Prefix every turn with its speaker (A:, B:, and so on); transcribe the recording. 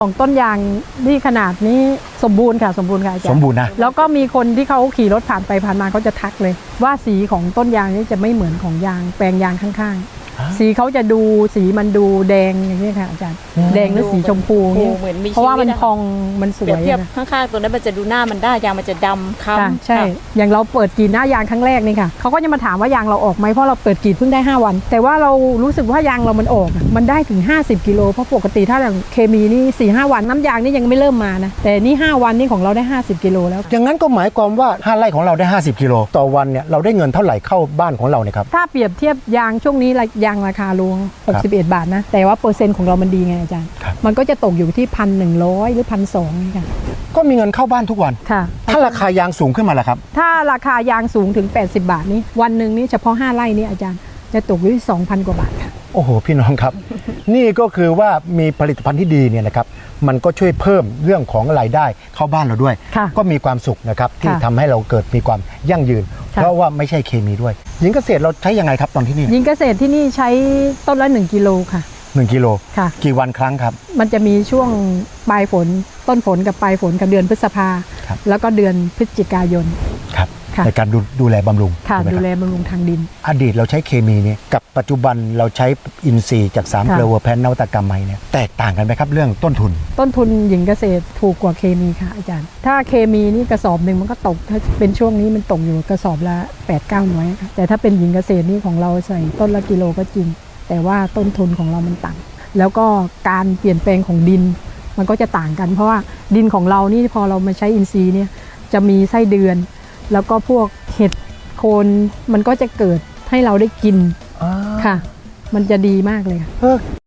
A: ของต้นยางที่ขนาดนี้สมบูรณ์ค่ะสมบูรณ์ค่ะอาจารย์
B: สมบูรณ์นะ
A: แล้วก็มีคนที่เขาขี่รถผ่านไปผ่านมาเขาจะทักเลย ว่าสีของต้นยางนี้จะไม่เหมือนของยางแปลงยางข้างๆสีเขาจะดูสีมันดูแดงอย่างนี้ค่ะอาจารย์แดงหรือสีชมพูเพราะว่ามันพองมันสวย
C: เทียบข้างๆตัวนั้นมันจะดูหน้ามันได้ยางมันจะดำค้ำ
A: ใช่อย่างเราเปิดกรีดหน้ายางครั้งแรกนี่ค่ะเขาก็จะมาถามว่ายางเราออกไหมเพราะเราเปิดกรีดเพิ่งได้5 วันแต่ว่าเรารู้สึกว่ายางเรามันออกมันได้ถึง50 กิโลเพราะปกติถ้าอย่างเคมีนี่ 4-5 วันน้ำยางนี่ยังไม่เริ่มมานะแต่นี่5 วันนี่ของเราได้50 กิโลแล้ว
B: อย่างนั้นก็หมายความว่า5 ไร่ของเราได้50 กิโลต่อวันเนี่ยเราได้เงินเท่าไหร่เข้าบ้านของเราเนี่ยครับ
A: ถ้าเปรียบเทียบยางช่วงนี้ยางราคาลง61 บาทนะแต่ว่าเปอร์เซ็นต์ของเรามันดีไงอาจารย์มันก็จะตกอยู่ที่1,100 หรือ 1,200นี่ค่ะ
B: ก็มีเงินเข้าบ้านทุกวัน
A: ค่ะ
B: ถ้าราคายางสูงขึ้นมาล่ะครับ
A: ถ้าราคายางสูงถึง80 บาทนี้วันหนึ่งนี่เฉพาะ5 ไร่นี่อาจารย์จะตกอยู่ที่ 2,000 กว่าบาทค่ะ
B: โอ้โหพี่น้องครับ นี่ก็คือว่ามีผลิตภัณฑ์ที่ดีเนี่ยนะครับมันก็ช่วยเพิ่มเรื่องของรายได้เข้าบ้านเราด้วยก็มีความสุขนะครับที่ทำให้เราเกิดมีความยั่งยืนเพราะว่าไม่ใช่เคมีด้วยหญิงเกษตรเราใช้ยังไงครับตอนที่นี่
A: หญิงเกษตรที่นี่ใช้ต้นละ1 กิโลค่ะ
B: 1 กิโล
A: ค่ะ
B: กี่วันครั้งครับ
A: มันจะมีช่วงปลายฝนต้นฝนกับปลายฝนกับเดือนพฤษภาแล้วก็เดือนพฤศจิกายน
B: ครับในการดูแลบำรุง
A: ค่ะดูแลบำรุงทางดิน
B: อดีตเราใช้เคมีเนี่ยกับปัจจุบันเราใช้อินทรีย์จาก3 เกลือเวอร์แพนนวัตกรรมใหม่เนี่ยแตกต่างกันไหมครับเรื่องต้นทุน
A: หญิงเกษตรถูกกว่าเคมีค่ะอาจารย์ถ้าเคมีนี่กระสอบหนึ่งมันก็ตกถ้าเป็นช่วงนี้มันตกอยู่กระสอบละ 8-900ค่ะแต่ถ้าเป็นหญิงเกษตรนี่ของเราใส่ต้นละกิโลก็จริงแต่ว่าต้นทุนของเรามันต่ำแล้วก็การเปลี่ยนแปลงของดินมันก็จะต่างกันเพราะว่าดินของเรานี่พอเรามาใช้อินทรีย์เนี่ยจะมีไส้เดือนแล้วก็พวกเห็ดโคนมันก็จะเกิดให้เราได้กินค่ะมันจะดีมากเลยค่ะ